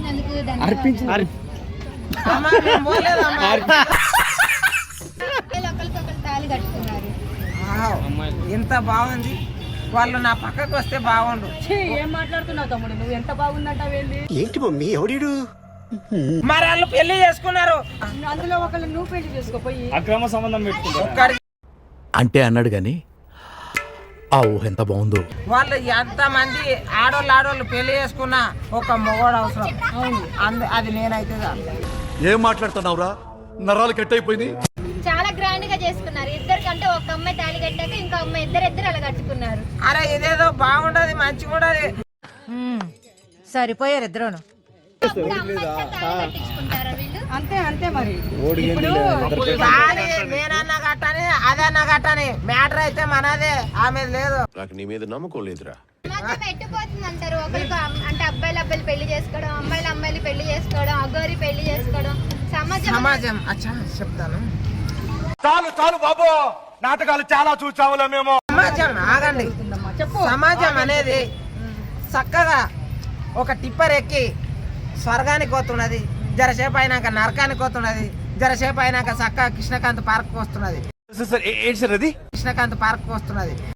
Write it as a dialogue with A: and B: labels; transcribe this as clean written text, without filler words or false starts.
A: చేసినందుకు ఒకరికొకరు తాళి కట్టుకున్నారు.
B: ఎంత బాగుంది. వాళ్ళు నా పక్కకు వస్తే బాగుండు.
C: ఏం మాట్లాడుతున్నావు తమ్ముడు? నువ్వు ఎంత బాగుందంటావేంది?
D: ఏంటి మమ్మీ ఎవడీడు?
B: మరి వాళ్ళు పెళ్లి చేసుకున్నారు.
C: అందులో ఒకళ్ళు నువ్వు పెళ్లి చేసుకోపోయి
E: అక్రమ సంబంధం పెట్టుకుంటారు
D: అంటే అన్నాడు గాని ఆ ఊహ ఎంత బాగుందో.
B: వాళ్ళు ఎంత మంది ఆడోళ్ళు పెళ్లి చేసుకున్నా ఒక మొగోడు అవసరం. అది నేనైతే
D: ఏం మాట్లాడుతున్నావురా? నరాలు కట్ అయిపోయింది.
A: చాలా గ్రాండ్ గా చేసుకున్నారు. ఇద్దరికంటే ఒక అమ్మాయి తాళి కట్టాక ఇంకో అమ్మాయి ఇద్దరు అలా కట్టుకున్నారు.
B: అరే ఇదేదో బాగుంటది, మంచిగా ఉంటది.
C: సరిపోయారు ఇద్దరును.
A: అప్పుడు అమ్మాయితో తాళి కట్టించుకుంటారా వీళ్ళు?
C: అంతే అంతే మరి.
B: కానీ నేనన్నా కట్టని అదన్నా కట్టని మ్యాటర్ అయితే మనదే, ఆమె లేదు.
D: నాకు నీ మీద నమ్మకం లేదురా.
A: సమాజం ఎట్టుపోతుంది అంటారు. ఒకరికి అంటే అబ్బాయిలు పెళ్లి చేసుకోవడం, అమ్మాయిలు పెళ్లి చేసుకోవడం, అగోరి పెళ్లి చేసుకోవడం.
B: సమాజం అచ్చా చెప్తాను.
E: చాలు బాబు, నాటకాలు చాలా చూసావులే మేము.
B: సమాజం ఆగండి. సమాజం అనేది చక్కగా ఒక టిప్పర్ ఎక్కి స్వర్గానికి పోతున్నది, జరసేపు అయినాక నరకానికి పోతున్నది, జరసేపు అయినాక చక్కగా కృష్ణకాంత్ పార్క్ వస్తున్నది.
E: కృష్ణకాంత్
B: పార్క్ వస్తున్నది.